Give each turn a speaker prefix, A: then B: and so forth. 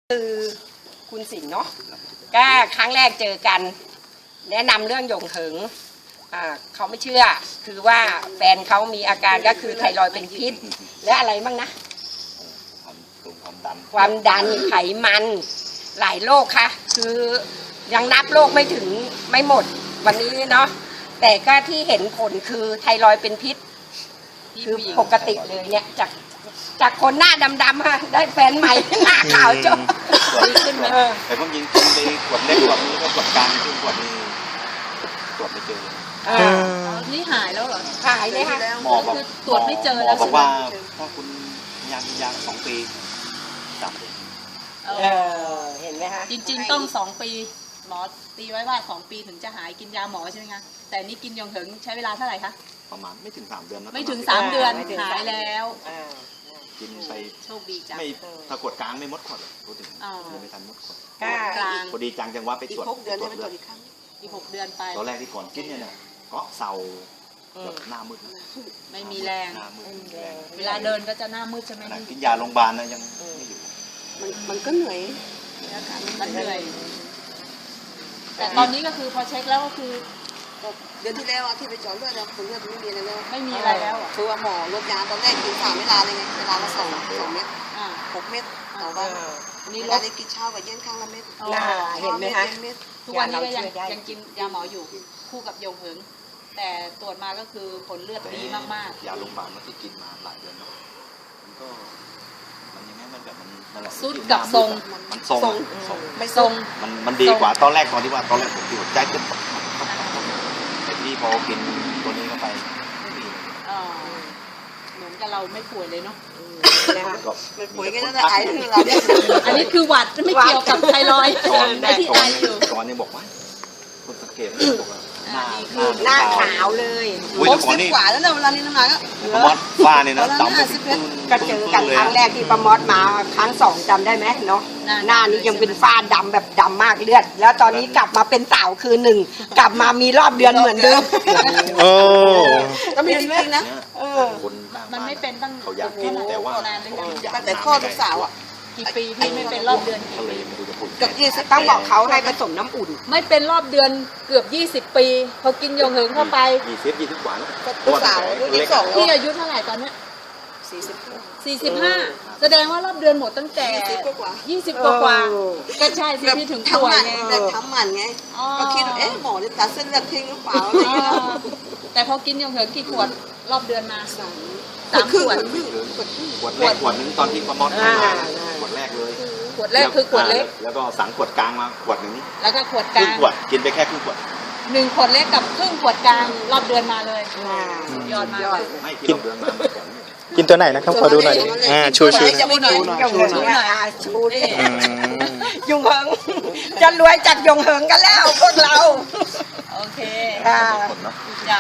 A: คือคุณสิงห์เนาะก็ครั้งแรกเจอกันแนะนำเรื่องหยงเหิงเขาไม่เชื่อคือว่าแฟนเขามีอาการก็คือไทรอยด์เป็นพิษและอะไรบ้างนะความดันไขมันหลายโรคค่ะคือยังนับโรคไม่หมดวันนี้เนาะแต่ก็ที่เห็นผลคือไทรอยด์เป็นพิษคือปกติเลยเนี่ยจากคนหน้าดำๆได้แฟนใหม่หน้าขาวจบขึ้นมา
B: แต่ผมยิงกินไปขวดเล็กขวดนี้ก็ขวดกลางขึ้นขวดนี้ตรวจไม่เจอ
C: นี่หายแล้วเหรอ
A: หายเลยค่ะ
B: หมอบอก
C: ตรวจไม่เจอแล้ว
B: บอกว่าถ้าคุณยา2 ปี3 ปี
A: เห็นไหมคะ
C: จริงๆต้อง2 ปีหมอตีไว้ว่า2 ปีถึงจะหายกินยาหมอใช่ไหมคะแต่นี่กินยงเหิงใช้เวลาเท่าไหร่คะ
B: ประมาณไม่ถึง3 เดือนนะ
C: ไม่ถึง3 เดือนหายแล้ว
B: กินไป
C: โชคดีจัง
B: ไม่ถ้ากดกลางไม่มดขวดเลยพูดถึงไม่ทันมดขวด
C: กลาง
B: พอดีจังจังว่าไปตรวจ
A: 6 เดือนไปตรวจอีกครั้ง
C: อีก6 เดือนไป
B: ตอนแรกที่ก่อนกินเนี่ยก็เศร้าหน้ามืด
C: ไม่มีแรงเวลาเดินก็จะหน้ามืดใช่ไหม
B: กินยาโรงพยาบาลนะยังไม่อยู่
A: มันก็เหนื่อย
C: มันเหนื่อยแต่ตอนนี้ก็คือพอเช็คแล้วก็คือ
D: เดือนที่แล้วที่ไปเจาะเลือดผลเลือดไม่มีอะไรแล้ว
C: ไม่มีอะไรแล้ว
D: คือว่าหมอลดยาตอนแรกกิน3 เวลาเลยไงเวลาละ2 เม็ด6 เม็ดต่อวันนี่ลดได้กินเช้ากับเย็นข้างละเม็ด
A: เห็นไหมคะ
C: ทุกวันนี้ก็ยังกินยาหมออยู่คู่กับยงเหิงแต่ตรวจมาก็คือผลเลือดดีมาก
B: ๆยาโรงพยาบาลมันที่กินมาหลายเดือนเนาะมันก็มันยังไงมันแบบมันนั่นแหละ
C: สุดกับทรง
B: มันทรง
C: ไม่ทรง
B: มันดีกว่าตอนแรกตอนที่ว่าตอนแรกผมอยู่ใจจะแต่ที่พอกินตัวนี้เข้าไป
C: เหมือนกับเราไม่ป่วยเลยเนาะ
D: ป่วยก็จะไอคือเราเนี่ย
C: อันนี้คือหวัดไม่เกี่ยวกับไทรอยด์ที่ไออยู่
B: ตอนนี้บอกว่าคนสังเกตบอกว่า
A: หน้าขาวเลย
D: 60 กว่าแล้วเนี่ยเวลานี้น้ำหนัก
B: ก็มอสฟ้าเนี่ยนะดำ
A: ก็เจอกันครั้งแรกที่ประมอดมาครั้ง2จำได้ไหมเนาะหน้านี้ยังเป็นฝ้าดำแบบดำมากเลือดแล้วตอนนี้กลับมาเป็นสาวคือ1กลับมามีรอบเดือนเหมือนเดิม
D: ก็มีจริงๆนะ
C: มันไม่เป็นตั้ง
B: เขาอยากกินแต่ว่า
D: ตั้งแต่ข้อลูกสาว
C: กี่ปีที่ไม่เป็นรอบเดือนกี่ปี
A: เกือบ20ต้องบอกเขาให้ผสมน้ำอุ่น
C: ไม่เป็นรอบเดือนเกือบ20 ปีพอกินยงเหิงเข้าไป
B: 20 กว่า
D: ลูกสาว22
C: พี่อายุเท่าไหร่ตอนนี้45แสดงว่ารอบเดือนหมดตั้งแต่20 กว่าก็ใช่สิพี่ถึงป่วยไง
D: ทำหมันไงก็คิดว่าหมอจะตัดเส้นเลือดทิ้งหรือเปล่าอะไรเงี้ย
C: แต่พอกินยงเหิงกี่ขวดรอบเดือนมา3 ขวด
B: ขวดแรกขวดนึงตอนที่ประมอดขวดแรกเลย
C: ขวดแรกคือขวดเล็ก
B: แล้วก็สั่งขวดกลางมาขวดนึง
C: แล้วก็ขวดกลาง
B: ขวดกินไปแค่ครึ่งขวด
C: 1 ขวดเล็กกับครึ่งขวดกลางรอบเดือนมาเลยยอดมาก
B: ไม่กินเดือนมา
E: กินตัวไหนนะครับขอดูหน่อยดิชูหน่อย
A: ชูดิยงเหิงจะรวยจากยงเหิงกันแล้วพวกเรา
C: โอเค